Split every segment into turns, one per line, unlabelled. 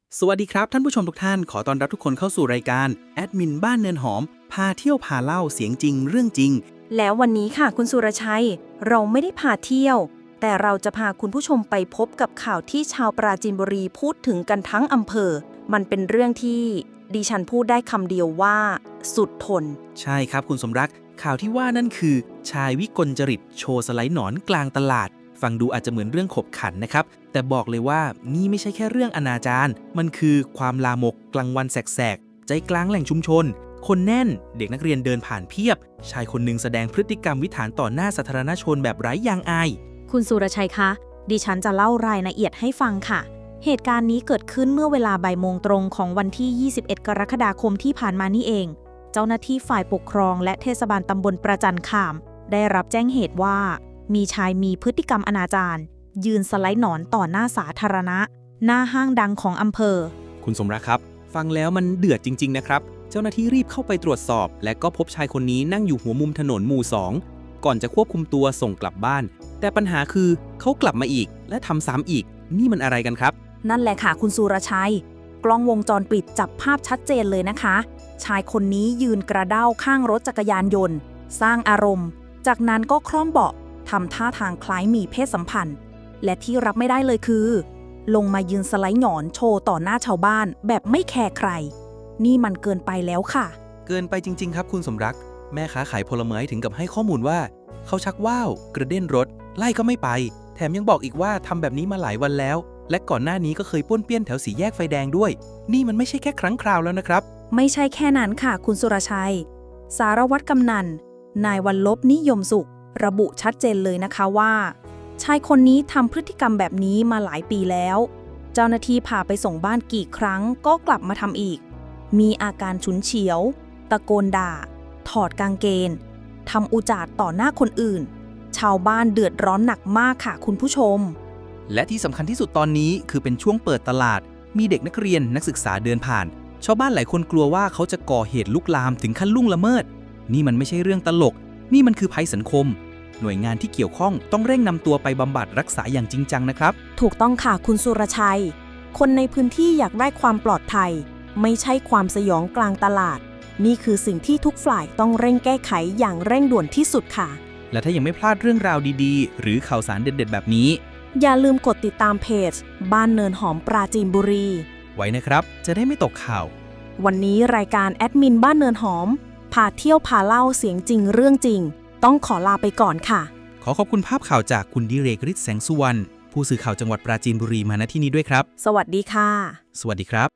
สวัสดีครับท่านผู้ชมทุกท่านขอต้อนรับทุกคนเข้าสู่รายการแอดมินบ้านเนินหอมพาเที่ยวพาเล่าเสียงจริงเรื่องจริง
แล้ววันนี้ค่ะคุณสุรชัยเราไม่ได้พาเที่ยวแต่เราจะพาคุณผู้ชมไปพบกับข่าวที่ชาวปราจีนบุรีพูดถึงกันทั้งอำเภอมันเป็นเรื่องที่ดิฉันพูดได้คำเดียวว่าสุดทน
ใช่ครับคุณสมรักข่าวที่ว่านั่นคือชายวิกลจริตโชว์สไลด์หนอนกลางตลาดฟังดูอาจจะเหมือนเรื่องขบขันนะครับแต่บอกเลยว่านี่ไม่ใช่แค่เรื่องอนาจารมันคือความลามกกลางวันแสกๆใจกลางแหล่งชุมชนคนแน่นเด็กนักเรียนเดินผ่านเพียบชายคนหนึ่งแสดงพฤติกรรมวิถานต่อหน้าสาธารณชนแบบไร้ยางอาย
คุณสุรชัยคะดิฉันจะเล่ารายละเอียดให้ฟังค่ะเหตุการณ์นี้เกิดขึ้นเมื่อเวลาบ่ายโมงตรงของวันที่ 21 กรกฎาคมที่ผ่านมานี่เองเจ้าหน้าที่ฝ่ายปกครองและเทศบาลตำบลประจันขามได้รับแจ้งเหตุว่ามีชายมีพฤติกรรมอนาจารยืนสไลด์หนอนต่อหน้าสาธารณะหน้าห้างดังของอำเภอ
คุณสมรักครับฟังแล้วมันเดือดจริงๆนะครับเจ้าหน้าที่รีบเข้าไปตรวจสอบและก็พบชายคนนี้นั่งอยู่หัวมุมถนนหมู่2ก่อนจะควบคุมตัวส่งกลับบ้านแต่ปัญหาคือเขากลับมาอีกและทำซ้ำอีกนี่มันอะไรกันครับ
นั่นแหละค่ะคุณสุรชัยกล้องวงจรปิดจับภาพชัดเจนเลยนะคะชายคนนี้ยืนกระเด้าข้างรถจักรยานยนต์สร้างอารมณ์จากนั้นก็คล่อมเบาะทำท่าทางคล้ายมีเพศสัมพันธ์และที่รับไม่ได้เลยคือลงมายืนสไลด์หนอนโชว์ต่อหน้าชาวบ้านแบบไม่แคร์ใครนี่มันเกินไปแล้วค่ะ
เกินไปจริงๆครับคุณสมรักแม่ค้าขายผลไม้ถึงกับให้ข้อมูลว่าเขาชักว่าวกระเด็นรถไล่ก็ไม่ไปแถมยังบอกอีกว่าทำแบบนี้มาหลายวันแล้วและก่อนหน้านี้ก็เคยป้วนเปี้ยนแถวสี่แยกไฟแดงด้วยนี่มันไม่ใช่แค่ครั้งคราวแล้วนะครับ
ไม่ใช่แค่นั้นค่ะคุณสุรชัยสารวัตรกำนันนายวันลบนิยมสุขระบุชัดเจนเลยนะคะว่าชายคนนี้ทำพฤติกรรมแบบนี้มาหลายปีแล้วเจ้าหน้าที่พาไปส่งบ้านกี่ครั้งก็กลับมาทำอีกมีอาการฉุนเฉียวตะโกนด่าถอดกางเกงทำอุจาร์ต่อหน้าคนอื่นชาวบ้านเดือดร้อนหนักมากค่ะคุณผู้ชม
และที่สำคัญที่สุดตอนนี้คือเป็นช่วงเปิดตลาดมีเด็กนักเรียนนักศึกษาเดินผ่านชาวบ้านหลายคนกลัวว่าเขาจะก่อเหตุลุกลามถึงขั้นล่วงละเมิดนี่มันไม่ใช่เรื่องตลกนี่มันคือภัยสังคมหน่วยงานที่เกี่ยวข้องต้องเร่งนำตัวไปบำบัดรักษาอย่างจริงจังนะครับ
ถูกต้องค่ะคุณสุรชัยคนในพื้นที่อยากได้ความปลอดภัยไม่ใช่ความสยองกลางตลาดนี่คือสิ่งที่ทุกฝ่ายต้องเร่งแก้ไขอย่างเร่งด่วนที่สุดค่ะ
และถ้ายังไม่พลาดเรื่องราวดีๆหรือข่าวสารเด็ดๆแบบนี้
อย่าลืมกดติดตามเพจบ้านเนินหอมปราจีนบุรี
ไว้นะครับจะได้ไม่ตกข่าว
วันนี้รายการแอดมินบ้านเนินหอมพาเที่ยวพาเล่าเสียงจริงเรื่องจริงต้องขอลาไปก่อนค่ะ
ขอขอบคุณภาพข่าวจากคุณดิเรกฤทธิ์แสงสุวรรณผู้สื่อข่าวจังหวัดปราจีนบุรีมาณที่นี้ด้วยครับ
สวัสดีค่ะ
สวัสดีครับ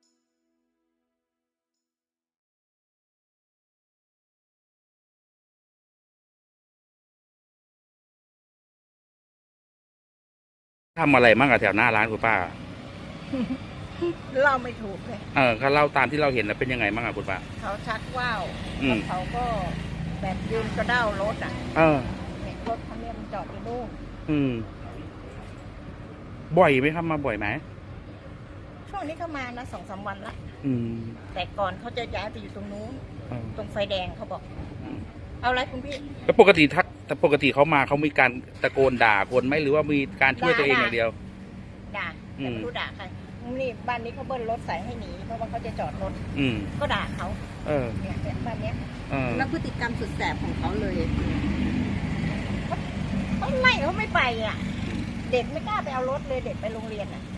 ทำอะไรมั่งอะแถวหน้าร้านคุณป้า
เล่าไม่ถูกเลย
เขาเล่าตามที่เราเห็นนะเป็นยังไงมั่งอะคุณป้า
เขาชักว่าวแล้วเขาก็แบบยืนกระเด้ารถอ่ะเนี่ยรถคันนี้มันจอดอยู่นู่น
บ่อยไหมครับมาบ่อยไหม
ช่วงนี้เขามานะ2-3 วันละแต่ก่อนเขาจะย้ายไปอยู่ตรงนู้นตรงไฟแดงเขาบอกเอาอะไรคุณพี่
แล้วปกติเขามาเขามีการตะโกนด่าคนไหมหรือว่ามีการช่วยตัวเองอย่างเดียว
ด่าแต่ไม่รู้ด่าใครนี่บ้านนี้เขาเบิ้ลรถใส่ให้หนีเพราะว่าเขาจะจอดรถก็ด่าเขาเนี่ยบ้านเนี้ยแล้วพฤติกรรมสุดแสบของเขาเลยเขาไล่เขาไม่ไปอ่ะเด็กไม่กล้าไปเอารถเลยเด็กไปโรงเรียนอ่ะ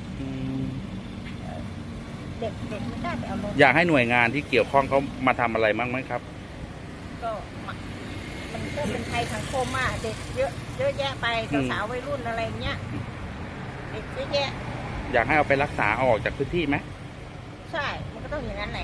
เด็กไม่กล้าไปเอารถ
อยากให้หน่วยงานที่เกี่ยวข้องเขามาทำอะไรบ้างไหมครับ
ก็มันก็เป็นภัยสังคมอ่ะเด็กเยอะแยะไปสาววัยรุ่นอะไรเงี้ยเด็กเยอะแยะ
อยากให้เอาไปรักษาออกจากพื้นที่ไหม
ใช่มันก็ต้องอย่างนั้นแหละ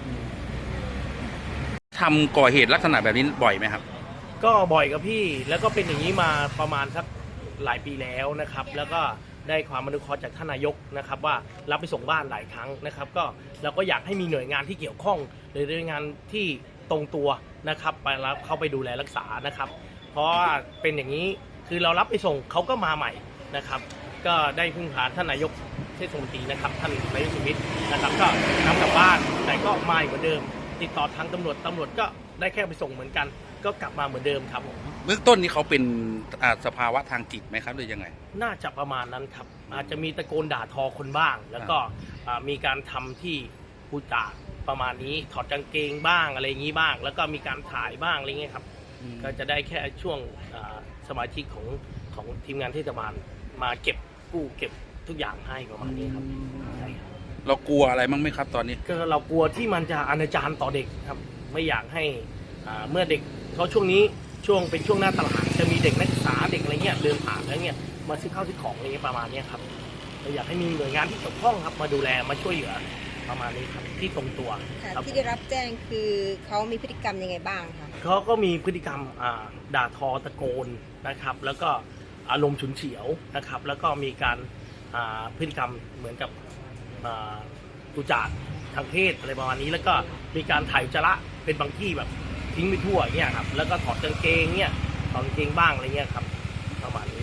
ทำก่อเหตุลักษณะแบบนี้บ่อยไหมครับ
ก็บ่อยครับพี่แล้วก็เป็นอย่างนี้มาประมาณสักหลายปีแล้วนะครับแล้วก็ได้ความอนุเคราะห์จากท่านนายกนะครับว่ารับไปส่งบ้านหลายครั้งนะครับก็เราก็อยากให้มีหน่วยงานที่เกี่ยวข้องหรือหน่วยงานที่ตรงตัวนะครับไปรับเข้าไปดูแลรักษานะครับเพราะว่าเป็นอย่างนี้คือเรารับไปส่งเขาก็มาใหม่นะครับก็ได้พึ่งพาท่านนายกเทศมนตรีนะครับท่านนายกสุวิทย์นะครับก็นำกลับบ้านแต่ก็มาเหมือนเดิมติดต่อทางตำรวจก็ได้แค่ไปส่งเหมือนกันก็กลับมาเหมือนเดิมครับผม
เบื้องต้นนี้เขาเป็นสภาวะทางจิตไหมครับหรือยังไง
น่าจะประมาณนั้นครับอาจจะมีตะโกนด่าทอคนบ้าง แล้วก็มีการทำที่พูดจาประมาณนี้ถอดกางเกงบ้างอะไรอย่างนี้บ้าง แล้วก็มีการถ่ายบ้างอะไรเงี้ยครับก็จะได้แค่ช่วงสมาชิกของทีมงานเทศบาลมาเก็บกู้เก็บทุกอย่างให้ประมาณนี้ครับใช่ครับ
เรากลัวอะไรบ้างไหมครับตอนนี้
ก็เรากลัวที่มันจะอนาจารต่อเด็กครับไม่อยากให้เมื่อเด็กเขาช่วงนี้เป็นช่วงหน้าตลาดจะมีเด็กนักศึกษาเด็กอะไรเงี้ยเดินผ่านแล้วเนี่ยมาซื้อข้าวซื้อของอะไรเงี้ยประมาณนี้ครับเราอยากให้มีหน่วยงานที่เกี่ยวข้องครับมาดูแลมาช่วยเหลือประมาณนี้ครับที่ตรงตัว
ค่ะ
ครับ
ที่ได้รับแจ้งคือเขามีพฤติกรรมยังไงบ้างคะ
เขาก็มีพฤติกรรมด่าทอตะโกนนะครับแล้วก็อารมณ์ฉุนเฉียวนะครับแล้วก็มีการพฤติกรรมเหมือนกับตุจาดทางเพศอะไรประมาณนี้แล้วก็มีการถ่ายอุจจาระเป็นบางที่แบบทิ้งไปทั่วอย่างเงี้ยครับแล้วก็ถอดกางเกงเนี่ยถอดกางเกงบ้างอะไรเงี้ยครับประมาณนี้